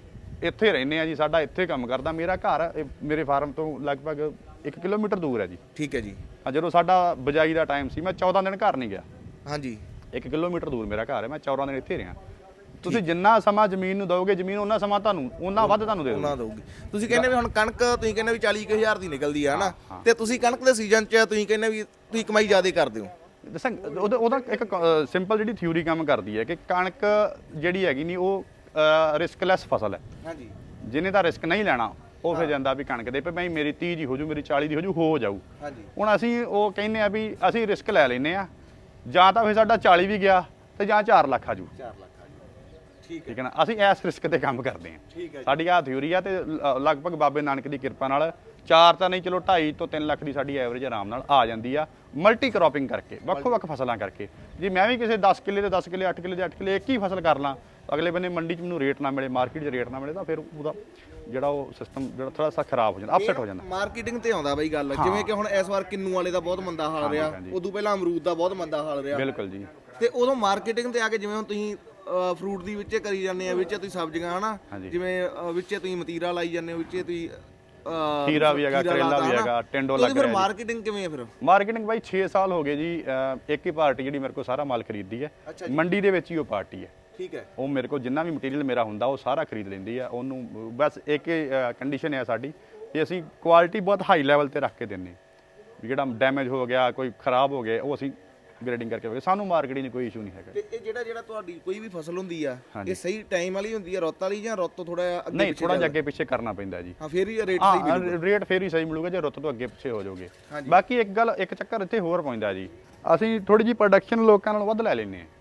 [SPEAKER 1] ਇੱਥੇ ਰਹਿੰਦੇ ਆ ਜੀ, ਸਾਡਾ ਇੱਥੇ ਕੰਮ ਕਰਦਾ। ਮੇਰਾ ਘਰ ਮੇਰੇ ਫਾਰਮ ਤੋਂ ਲਗਭਗ 1 ਕਿਲੋਮੀਟਰ ਦੂਰ ਹੈ ਜੀ। ਠੀਕ ਹੈ ਜੀ। ਜਦੋਂ ਸਾਡਾ ਬਜਾਈ ਦਾ ਟਾਈਮ ਸੀ, ਮੈਂ 14 ਦਿਨ ਘਰ ਨਹੀਂ ਗਿਆ। ਹਾਂਜੀ, 1 ਕਿਲੋਮੀਟਰ ਦੂਰ ਮੇਰਾ ਘਰ ਹੈ, ਮੈਂ 14 ਦਿਨ ਇੱਥੇ ਰਿਹਾ। ਤੁਸੀਂ ਜਿੰਨਾ ਸਮਾਂ ਜ਼ਮੀਨ ਨੂੰ ਦਿਓਗੇ, ਜ਼ਮੀਨ ਉਹਨਾਂ ਸਮਾਂ ਤੁਹਾਨੂੰ ਉਹਨਾਂ ਵੱਧ ਤੁਹਾਨੂੰ ਦੇਊਗੀ। ਤੁਸੀਂ ਕਹਿੰਦੇ ਵੀ ਹੁਣ ਕਣਕ ਤੁਸੀਂ ਕਹਿੰਦੇ ਵੀ 40,000 ਦੀ ਨਿਕਲਦੀ ਆ ਨਾ, ਤੇ ਤੁਸੀਂ ਕਣਕ ਦੇ ਸੀਜ਼ਨ 'ਚ ਤੁਸੀਂ ਕਹਿੰਦੇ ਵੀ ਤੁਸੀਂ ਕਮਾਈ ਜ਼ਿਆਦਾ ਕਰਦੇ ਹੋ। ਦੱਸਾਂ, ਉਹਦਾ ਇੱਕ ਸਿੰਪਲ ਜਿਹੜੀ ਥਿਊਰੀ ਕੰਮ ਕਰਦੀ ਹੈ ਕਿ ਕਣਕ ਜਿਹੜੀ ਹੈਗੀ ਨਹੀਂ, ਉਹ ਰਿਸਕਲੈਸ ਫਸਲ ਹੈ। ਹਾਂਜੀ, ਜਿਹਨੇ ਤਾਂ ਰਿਸਕ ਨਹੀਂ ਲੈਣਾ ਉਹ ਫਿਰ ਜਾਂਦਾ ਵੀ ਕਣਕ ਦੇ ਭਾਈ ਮੇਰੀ 30 ਦੀ ਹੋ ਜੂ, ਮੇਰੀ 40 ਦੀ ਹੋ ਜਾਊ। ਹਾਂਜੀ, ਹੁਣ ਅਸੀਂ ਉਹ ਕਹਿੰਦੇ ਆ ਵੀ ਅਸੀਂ ਰਿਸਕ ਲੈ ਲੈਨੇ ਆ, ਜਾਂ ਤਾਂ ਫਿਰ ਸਾਡਾ 40 ਵੀ ਗਿਆ ਤੇ ਜਾਂ 4 ਲੱਖ ਆ ਜੂ। 4 ਲੱਖ ਆ ਜੂ। ਠੀਕ ਹੈ ਨਾ, ਅਸੀਂ ਇਸ ਰਿਸਕ ਤੇ ਕੰਮ ਕਰਦੇ ਆ। ਸਾਡੀ ਆਹ ਥਿਊਰੀ ਆ, ਤੇ ਲਗਭਗ ਬਾਬੇ ਨਾਨਕ ਦੀ ਕਿਰਪਾ ਨਾਲ 4 ਤਾਂ ਨਹੀਂ, ਚਲੋ 2.5 ਤੋਂ 3 ਲੱਖ ਦੀ ਸਾਡੀ ਐਵਰੇਜ ਆਰਾਮ ਨਾਲ ਆ ਜਾਂਦੀ ਆ, ਮਲਟੀ ਕ੍ਰੋਪਿੰਗ ਕਰਕੇ, ਵੱਖੋ-ਵੱਖ ਫਸਲਾਂ ਕਰਕੇ। ਜੇ ਮੈਂ ਵੀ ਕਿਸੇ 10 ਕਿੱਲੇ ਤੇ 10 ਕਿੱਲੇ, 8 ਕਿੱਲੇ ਤੇ 8 ਕਿੱਲੇ ਇੱਕ ਹੀ ਫਸਲ ਕਰ ਲਾਂ, ਅਗਲੇ ਬੰਨੇ ਮੰਡੀ 'ਚ ਮੈਨੂੰ ਰੇਟ ਨਾ ਮਿਲੇ, ਮਾਰਕੀਟ 'ਚ ਰੇਟ ਨਾ ਮਿਲੇ, ਤਾਂ ਫਿਰ ਉਹਦਾ ਜਿਹੜਾ ਉਹ ਸਿਸਟਮ ਜਿਹੜਾ ਥੋੜਾ ਸਾ ਖਰਾਬ ਹੋ ਜਾਂਦਾ, ਅਪਸੈਟ ਹੋ ਜਾਂਦਾ। ਮਾਰਕੀਟਿੰਗ ਤੇ ਆਉਂਦਾ ਬਈ ਗੱਲ, ਜਿਵੇਂ ਕਿ ਹੁਣ ਇਸ ਵਾਰ ਕਿੰਨੂ ਵਾਲੇ ਦਾ ਬਹੁਤ ਮੰਦਾ ਹਾਲ ਰਿਹਾ, ਉਦੋਂ ਪਹਿਲਾਂ ਅਮਰੂਦ ਦਾ ਬਹੁਤ ਮੰਦਾ ਹਾਲ ਰਿਹਾ। ਬਿਲਕੁਲ ਜੀ। ਤੇ ਉਦੋਂ ਮਾਰਕੀਟਿੰਗ ਤੇ ਆ ਕੇ, ਜਿਵੇਂ ਹੁਣ ਤੁਸੀਂ ਫਰੂਟ ਦੀ ਵਿੱਚੇ ਕਰੀ ਜਾਂਦੇ ਆ, ਵਿੱਚੇ ਤੁਸੀਂ ਸਬਜ਼ੀਆਂ ਹਨਾ, ਜਿਵੇਂ ਵਿੱਚੇ ਤੁਸੀਂ ਮਤੀਰਾ ਲਾਈ ਜਾਂਦੇ ਹੋ, ਵਿੱਚੇ ਤੁਸੀਂ ਖੀਰਾ ਵੀ ਹੈਗਾ, ਕਰੇਲਾ ਵੀ ਹੈਗਾ, ਟਿੰਡੋ ਲੱਗ ਰਿਹਾ। ਫਿਰ ਮਾਰਕੀਟਿੰਗ ਕਿਵੇਂ ਹੈ? ਫਿਰ ਮਾਰਕੀਟਿੰਗ ਬਾਈ 6 ਸਾਲ ਹੋ ਗਏ ਜੀ। ਇੱਕ ਹੀ ਪਾਰਟੀ ਜਿਹੜੀ ਮੇਰੇ ਕੋਲ ਸਾਰਾ ਮਾਲ ਖਰੀਦਦੀ ਹੈ, ਮੰਡੀ ਦੇ ਵਿੱਚ ਹੀ ਉਹ ਪਾਰਟੀ ਹੈ। ਠੀਕ ਹੈ, ਉਹ ਮੇਰੇ ਕੋਲ ਜਿੰਨਾ ਵੀ ਮਟੀਰੀਅਲ ਮੇਰਾ ਹੁੰਦਾ ਉਹ ਸਾਰਾ ਖਰੀਦ ਲੈਂਦੀ ਆ। ਉਹਨੂੰ ਬਸ ਇੱਕ ਕੰਡੀਸ਼ਨ ਹੈ ਸਾਡੀ ਕਿ ਅਸੀਂ ਕੁਆਲਿਟੀ ਬਹੁਤ ਹਾਈ ਲੈਵਲ ਤੇ ਰੱਖ ਕੇ ਦਿੰਨੇ, ਵੀ ਜਿਹੜਾ ਡੈਮੇਜ ਹੋ ਗਿਆ, ਕੋਈ ਖਰਾਬ ਹੋ ਗਿਆ, ਉਹ ਅਸੀਂ ਗ੍ਰੇਡਿੰਗ ਕਰਕੇ ਵੇਚਾਂਗੇ। ਸਾਨੂੰ ਮਾਰਕੀਟਿੰਗ 'ਚ ਕੋਈ ਇਸ਼ੂ ਨਹੀਂ ਹੈਗਾ।
[SPEAKER 2] ਤੇ ਇਹ ਜਿਹੜਾ ਤੁਹਾਡੀ ਕੋਈ ਵੀ ਫਸਲ ਹੁੰਦੀ ਆ
[SPEAKER 1] ਹਾਂਜੀ।
[SPEAKER 2] ਇਹ ਸਹੀ ਟਾਈਮ ਵਾਲੀ ਹੁੰਦੀ ਆ ਰੁੱਤ ਵਾਲੀ ਜਾਂ ਰੁੱਤ ਤੋਂ ਥੋੜਾ ਅੱਗੇ
[SPEAKER 1] ਨਹੀਂ,
[SPEAKER 2] ਪਿੱਛੇ
[SPEAKER 1] ਥੋੜਾ ਜਿਹਾ ਅੱਗੇ ਪਿੱਛੇ ਕਰਨਾ ਪੈਂਦਾ ਜੀ।
[SPEAKER 2] ਹਾਂ ਫੇਰ ਹੀ ਰੇਟ ਸਹੀ ਮਿਲੂਗਾ।
[SPEAKER 1] ਹਾਂ, ਰੇਟ ਫੇਰ ਹੀ ਸਹੀ ਮਿਲੂਗਾ ਜੇ ਰੁੱਤ ਤੋਂ ਅੱਗੇ ਪਿੱਛੇ ਹੋ ਜਾਓਗੇ।
[SPEAKER 2] ਹਾਂਜੀ।
[SPEAKER 1] ਬਾਕੀ ਇੱਕ ਚੱਕਰ ਇੱਥੇ ਹੋਰ ਪੈਂਦਾ ਜੀ, ਅਸੀਂ ਥੋੜੀ ਜਿਹੀ ਪ੍ਰੋਡਕਸ਼ਨ ਲੋਕਾਂ ਨਾਲੋਂ ਵੱਧ ਲੈ ਲੈਂਦੇ ਹਾਂ।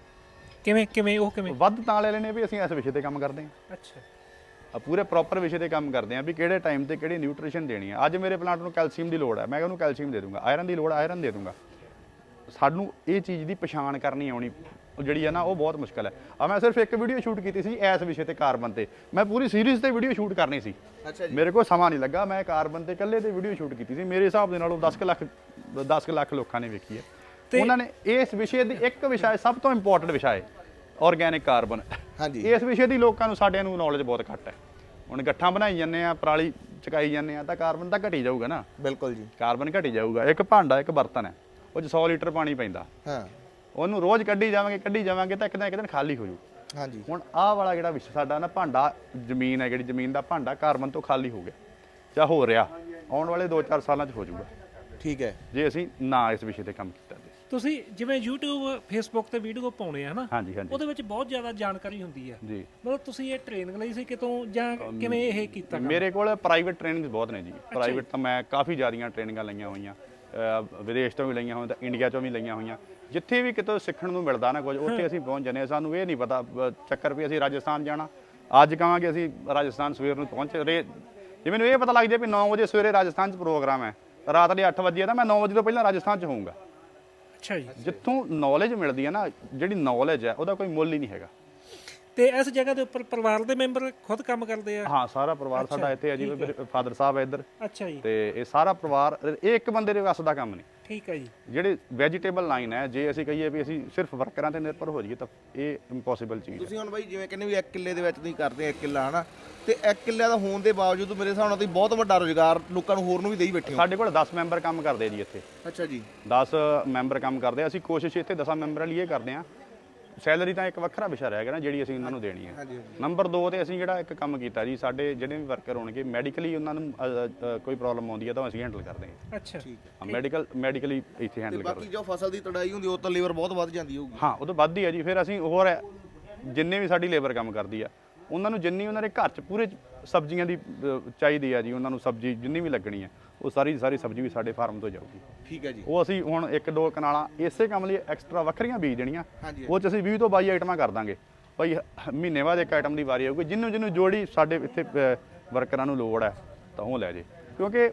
[SPEAKER 3] ਕਿਵੇਂ
[SPEAKER 1] ਵੱਧ ਤਾਂ ਲੈ ਲੈਂਦੇ ਵੀ ਅਸੀਂ ਇਸ ਵਿਸ਼ੇ ਤੇ ਕੰਮ ਕਰਦੇ ਹਾਂ।
[SPEAKER 3] ਅੱਛਾ,
[SPEAKER 1] ਪੂਰੇ ਪ੍ਰੋਪਰ ਵਿਸ਼ੇ ਤੇ ਕੰਮ ਕਰਦੇ ਹਾਂ ਵੀ ਕਿਹੜੇ ਟਾਈਮ ਤੇ ਕਿਹੜੀ ਨਿਊਟ੍ਰੀਸ਼ਨ ਦੇਣੀ ਹੈ। ਅੱਜ ਮੇਰੇ ਪਲਾਂਟ ਨੂੰ ਕੈਲਸ਼ੀਅਮ ਦੀ ਲੋੜ ਹੈ, ਮੈਂ ਉਹਨੂੰ ਕੈਲਸ਼ੀਅਮ ਦੇ ਦੂੰਗਾ। ਆਇਰਨ ਦੀ ਲੋੜ ਆਇਰਨ ਦੇ ਦੂੰਗਾ। ਸਾਨੂੰ ਇਹ ਚੀਜ਼ ਦੀ ਪਛਾਣ ਕਰਨੀ ਆਉਣੀ ਜਿਹੜੀ ਹੈ ਨਾ ਉਹ ਬਹੁਤ ਮੁਸ਼ਕਲ ਹੈ। ਮੈਂ ਸਿਰਫ ਇੱਕ ਵੀਡੀਓ ਸ਼ੂਟ ਕੀਤੀ ਸੀ ਇਸ ਵਿਸ਼ੇ ਤੇ ਕਾਰਬਨ ਤੇ, ਮੈਂ ਪੂਰੀ ਸੀਰੀਜ਼ ਤੇ ਵੀਡੀਓ ਸ਼ੂਟ ਕਰਨੀ ਸੀ।
[SPEAKER 2] ਅੱਛਾ ਜੀ।
[SPEAKER 1] ਮੇਰੇ ਕੋਲ ਸਮਾਂ ਨਹੀਂ ਲੱਗਾ, ਮੈਂ ਕਾਰਬਨ ਤੇ ਇਕੱਲੇ ਤੇ ਵੀਡੀਓ ਸ਼ੂਟ ਕੀਤੀ ਸੀ। ਮੇਰੇ ਹਿਸਾਬ ਦੇ ਨਾਲ ਉਹ 10 ਲੱਖ ਲੋਕਾਂ ਨੇ ਵੇਖੀ ਹੈ। ਉਹਨਾਂ ਨੇ ਇਸ ਵਿਸ਼ੇ ਦੀ ਇੱਕ ਵਿਸ਼ਾ ਸਭ ਤੋਂ ਇੰਪੋਰਟੈਂਟ ਵਿਸ਼ਾ ਹੈ ਆਰਗੈਨਿਕ ਕਾਰਬਨ।
[SPEAKER 2] ਹਾਂਜੀ।
[SPEAKER 1] ਇਸ ਵਿਸ਼ੇ ਦੀ ਲੋਕਾਂ ਨੂੰ ਸਾਡਿਆਂ ਨੂੰ ਨੌਲੇਜ ਬਹੁਤ ਘੱਟ ਹੈ। ਹੁਣ ਗੱਠਾਂ ਬਣਾਈ ਜਾਂਦੇ ਆ, ਪਰਾਲੀ ਚਕਾਈ ਜਾਂਦੇ ਆ, ਤਾਂ ਕਾਰਬਨ ਤਾਂ ਘਟੀ ਜਾਊਗਾ ਨਾ।
[SPEAKER 2] ਬਿਲਕੁਲ ਜੀ।
[SPEAKER 1] ਕਾਰਬਨ ਘਟੀ ਜਾਊਗਾ। ਇੱਕ ਭਾਂਡਾ ਇੱਕ ਬਰਤਨ ਹੈ, ਉਹ 'ਚ 100 ਲੀਟਰ ਪਾਣੀ ਪੈਂਦਾ।
[SPEAKER 2] ਹਾਂ।
[SPEAKER 1] ਉਹਨੂੰ ਰੋਜ਼ ਕੱਢੀ ਜਾਵਾਂਗੇ ਤਾਂ ਇੱਕ ਦਿਨ ਖਾਲੀ ਹੋ ਜੂ।
[SPEAKER 2] ਹਾਂਜੀ।
[SPEAKER 1] ਹੁਣ ਆਹ ਵਾਲਾ ਜਿਹੜਾ ਵਿਸ਼ਾ ਸਾਡਾ ਨਾ ਭਾਂਡਾ ਜ਼ਮੀਨ ਹੈ, ਜਿਹੜੀ ਜ਼ਮੀਨ ਦਾ ਭਾਂਡਾ ਕਾਰਬਨ ਤੋਂ ਖਾਲੀ ਹੋ ਗਿਆ ਜਾਂ ਹੋ ਰਿਹਾ, ਆਉਣ ਵਾਲੇ 2-4 ਸਾਲਾਂ 'ਚ ਹੋ ਜਾਊਗਾ
[SPEAKER 2] ਠੀਕ ਹੈ।
[SPEAKER 1] ਜੇ ਅਸੀਂ ਨਾ ਇਸ ਵਿਸ਼ੇ ਤੇ ਕੰਮ ਕੀਤਾ ਤੇ।
[SPEAKER 3] ਤੁਸੀਂ ਜਿਵੇਂ YouTube Facebook ਤੇ ਵੀਡੀਓ ਪਾਉਣੇ ਆ ਹਨਾ,
[SPEAKER 1] ਹਾਂਜੀ ਹਾਂਜੀ
[SPEAKER 3] ਉਹਦੇ ਵਿੱਚ ਬਹੁਤ ਜ਼ਿਆਦਾ ਜਾਣਕਾਰੀ ਹੁੰਦੀ ਆ।
[SPEAKER 1] ਜੀ।
[SPEAKER 3] ਮਤਲਬ ਤੁਸੀਂ ਇਹ ਟ੍ਰੇਨਿੰਗ ਲਈ ਸੀ ਕਿਤੋਂ ਜਾਂ ਕਿਵੇਂ ਇਹ ਕੀਤਾ?
[SPEAKER 1] ਮੇਰੇ ਕੋਲ ਪ੍ਰਾਈਵੇਟ ਟ੍ਰੇਨਿੰਗਸ ਬਹੁਤ ਨੇ ਜੀ। ਪ੍ਰਾਈਵੇਟ ਤਾਂ ਮੈਂ ਕਾਫੀ ਜ਼ਿਆਦੀਆਂ ਟ੍ਰੇਨਿੰਗਾਂ ਲਈਆਂ ਹੋਈਆਂ, ਵਿਦੇਸ਼ ਤੋਂ ਵੀ ਲਈਆਂ ਹੋਈਆਂ, ਤਾਂ ਇੰਡੀਆ ਤੋਂ ਵੀ ਲਈਆਂ ਹੋਈਆਂ। ਜਿੱਥੇ ਵੀ ਕਿਤੋਂ ਸਿੱਖਣ ਨੂੰ ਮਿਲਦਾ ਨਾ ਕੁਝ, ਉੱਥੇ ਅਸੀਂ ਪਹੁੰਚ ਜਾਂਦੇ ਹਾਂ। ਸਾਨੂੰ ਇਹ ਨਹੀਂ ਪਤਾ ਚੱਕਰ ਵੀ ਅਸੀਂ ਰਾਜਸਥਾਨ ਜਾਣਾ, ਅੱਜ ਕਹਾਂਗੇ ਅਸੀਂ ਰਾਜਸਥਾਨ ਸਵੇਰ ਨੂੰ ਪਹੁੰਚ ਰਹੇ। ਜੇ ਮੈਨੂੰ ਇਹ ਪਤਾ ਲੱਗ ਜਾਏ ਵੀ 9 ਵਜੇ ਸਵੇਰੇ ਰਾਜਸਥਾਨ 'ਚ ਪ੍ਰੋਗਰਾਮ ਹੈ, ਰਾਤ ਦੇ 8 ਵਜੇ ਤਾਂ ਮੈਂ 9 ਵਜੇ ਤੋਂ ਪਹਿਲਾਂ ਰਾਜਸਥਾਨ 'ਚ ਹੋਊਂਗਾ।
[SPEAKER 3] ਅੱਛਾ ਜੀ।
[SPEAKER 1] ਜਿੱਥੋਂ ਨੌਲੇਜ ਮਿਲਦੀ ਹੈ ਨਾ, ਜਿਹੜੀ ਨੌਲੇਜ ਹੈ ਉਹਦਾ ਕੋਈ ਮੁੱਲ ਹੀ ਨਹੀਂ ਹੈਗਾ।
[SPEAKER 3] ਤੇ ਇਸ ਜਗ੍ਹਾ ਦੇ ਉੱਪਰ ਪਰਿਵਾਰ ਦੇ ਮੈਂਬਰ ਖੁਦ ਕੰਮ ਕਰਦੇ ਆ?
[SPEAKER 1] ਹਾਂ, ਸਾਰਾ ਪਰਿਵਾਰ ਸਾਡਾ ਇੱਥੇ ਹੈ ਜੀ। ਫਾਦਰ ਸਾਹਿਬ ਹੈ ਇੱਧਰ,
[SPEAKER 3] ਅੱਛਾ ਜੀ।
[SPEAKER 1] ਤੇ ਇਹ ਸਾਰਾ ਪਰਿਵਾਰ, ਇਹ ਇੱਕ ਬੰਦੇ ਦੇ ਵੱਸ ਦਾ ਕੰਮ ਨਹੀਂ।
[SPEAKER 3] ਠੀਕ ਹੈ ਜੀ।
[SPEAKER 1] ਜਿਹੜੇ ਵੈਜੀਟੇਬਲ ਲਾਈਨ ਹੈ, ਜੇ ਅਸੀਂ ਕਹੀਏ ਵੀ ਅਸੀਂ ਸਿਰਫ ਵਰਕਰਾਂ ਤੇ ਨਿਰਭਰ ਹੋ ਜਾਈਏ ਤਾਂ ਇਹ ਇੰਪੋਸੀਬਲ ਚੀਜ਼ ਹੈ।
[SPEAKER 2] ਤੁਸੀਂ ਹੁਣ ਬਾਈ ਜਿਵੇਂ ਕਹਿੰਦੇ ਵੀ 1 ਕਿੱਲੇ ਦੇ ਵਿੱਚ ਤੁਸੀਂ ਕਰਦੇ 1 ਕਿੱਲਾ ਹਨਾ, ਤੇ 1 ਕਿੱਲੇ ਦਾ ਹੋਣ ਦੇ ਬਾਵਜੂਦ ਮੇਰੇ ਹਿਸਾਬ ਨਾਲ ਤੁਸੀਂ ਬਹੁਤ ਵੱਡਾ ਰੋਜ਼ਗਾਰ ਲੋਕਾਂ ਨੂੰ ਹੋਰ ਨੂੰ ਵੀ ਦੇਈ ਬੈਠੇ ਹੋ।
[SPEAKER 1] ਸਾਡੇ ਕੋਲ 10 ਮੈਂਬਰ ਕੰਮ ਕਰਦੇ ਜੀ ਇੱਥੇ।
[SPEAKER 2] ਅੱਛਾ ਜੀ।
[SPEAKER 1] 10 ਮੈਂਬਰ ਕੰਮ ਕਰਦੇ। ਅਸੀਂ ਕੋਸ਼ਿਸ਼ ਇੱਥੇ 10 ਮੈਂਬਰਾਂ ਲਈ ਇਹ ਕਰਦੇ ਹਾਂ। ਸੈਲਰੀ ਤਾਂ ਇੱਕ ਵੱਖਰਾ ਵਿਸ਼ਾ ਰਹਿ ਗਿਆ ਨਾ ਜਿਹੜੀ ਅਸੀਂ ਉਹਨਾਂ ਨੂੰ ਦੇਣੀ ਹੈ।
[SPEAKER 2] ਹਾਂਜੀ।
[SPEAKER 1] ਨੰਬਰ 2 ਤੇ ਅਸੀਂ ਜਿਹੜਾ ਇੱਕ ਕੰਮ ਕੀਤਾ ਜੀ, ਸਾਡੇ ਜਿਹੜੇ ਵੀ ਵਰਕਰ ਹੋਣਗੇ ਮੈਡੀਕਲੀ ਉਹਨਾਂ ਨੂੰ ਕੋਈ ਪ੍ਰੋਬਲਮ ਆਉਂਦੀ ਹੈ ਤਾਂ ਅਸੀਂ ਹੈਂਡਲ ਕਰਦੇ ਹਾਂ।
[SPEAKER 3] ਅੱਛਾ।
[SPEAKER 2] ਠੀਕ ਹੈ।
[SPEAKER 1] ਮੈਡੀਕਲੀ ਇੱਥੇ ਹੈਂਡਲ ਕਰਦੇ ਹਾਂ।
[SPEAKER 2] ਬਾਕੀ ਜੋ ਫਸਲ ਦੀ ਤੜਾਈ ਹੁੰਦੀ ਉਹ ਤਾਂ ਲੇਬਰ ਬਹੁਤ ਵੱਧ ਜਾਂਦੀ ਹੋਊਗੀ।
[SPEAKER 1] ਹਾਂ, ਉਹ ਤੋਂ ਵੱਧ ਹੀ ਹੈ ਜੀ। ਫਿਰ ਅਸੀਂ ਹੋਰ ਜਿੰਨੇ ਵੀ ਸਾਡੀ ਲੇਬਰ ਕੰਮ ਕਰਦੀ ਆ, ਉਹਨਾਂ ਨੂੰ ਜਿੰਨੀ ਉਹਨਾਂ ਦੇ ਘਰ 'ਚ ਪੂਰੇ ਸਬਜ਼ੀਆਂ ਦੀ ਚਾਹੀਦੀ ਆ ਜੀ, ਉਹਨਾਂ ਨੂੰ ਸਬਜ਼ੀ ਜਿੰਨੀ ਵੀ ਲੱਗਣੀ ਆ, ਉਹ ਸਾਰੀ ਸਬਜ਼ੀ ਵੀ ਸਾਡੇ ਫਾਰਮ ਤੋਂ ਜਾਊਗੀ।
[SPEAKER 2] ਠੀਕ ਹੈ ਜੀ।
[SPEAKER 1] ਉਹ ਅਸੀਂ ਹੁਣ 1-2 ਕਨਾਲਾਂ ਇਸੇ ਕੰਮ ਲਈ ਐਕਸਟਰਾ ਵੱਖਰੀਆਂ ਬੀਜ ਦੇਣੀਆਂ।
[SPEAKER 2] ਹਾਂਜੀ।
[SPEAKER 1] ਉਹ 'ਚ ਅਸੀਂ 20 ਤੋਂ 22 ਆਈਟਮਾਂ ਕਰ ਦਾਂਗੇ ਭਾਈ। ਮਹੀਨੇ ਬਾਅਦ ਇੱਕ ਆਈਟਮ ਦੀ ਵਾਰੀ ਆਊਗੀ। ਜਿਹਨੂੰ ਜੋੜੀ ਸਾਡੇ ਇੱਥੇ ਵਰਕਰਾਂ ਨੂੰ ਲੋੜ ਹੈ ਤਾਂ ਉਹ ਲੈ ਜੇ। ਕਿਉਂਕਿ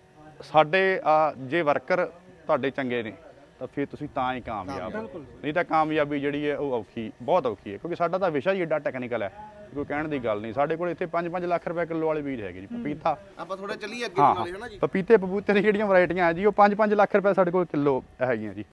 [SPEAKER 1] ਸਾਡੇ ਜੇ ਵਰਕਰ ਤੁਹਾਡੇ ਚੰਗੇ ਨੇ ਤਾਂ ਫਿਰ ਤੁਸੀਂ ਤਾਂ ਹੀ ਕਾਮਯਾਬ ਹੋ। ਨਹੀਂ ਤਾਂ ਕਾਮਯਾਬੀ ਜਿਹੜੀ ਹੈ ਉਹ ਬਹੁਤ ਔਖੀ ਹੈ। ਕਿਉਂਕਿ ਸਾਡਾ ਤਾਂ ਵਿਸ਼ਾ ਹੀ ਏਡਾ ਟੈਕਨੀਕਲ ਹੈ, ਕੋਈ ਕਹਿਣ ਦੀ ਗੱਲ ਨਹੀਂ। ਸਾਡੇ ਕੋਲ ਇੱਥੇ 5-5 ਲੱਖ ਰੁਪਏ ਕਿਲੋ ਵਾਲੇ ਬੀਜ ਹੈਗੇ ਜੀ। ਪਪੀਤਾ
[SPEAKER 2] ਆਪਾਂ ਥੋੜਾ ਚੱਲੀਏ ਅੱਗੇ ਨਾਲੇ ਹਨਾ ਜੀ।
[SPEAKER 1] ਪਪੀਤੇ ਦੀ ਜਿਹੜੀਆਂ ਵੈਰਾਈਟੀਆਂ ਹੈ ਜੀ, ਉਹ 5-5 ਲੱਖ ਰੁਪਏ ਸਾਡੇ ਕੋਲ ਕਿਲੋ ਹੈਗੀਆਂ ਜੀ।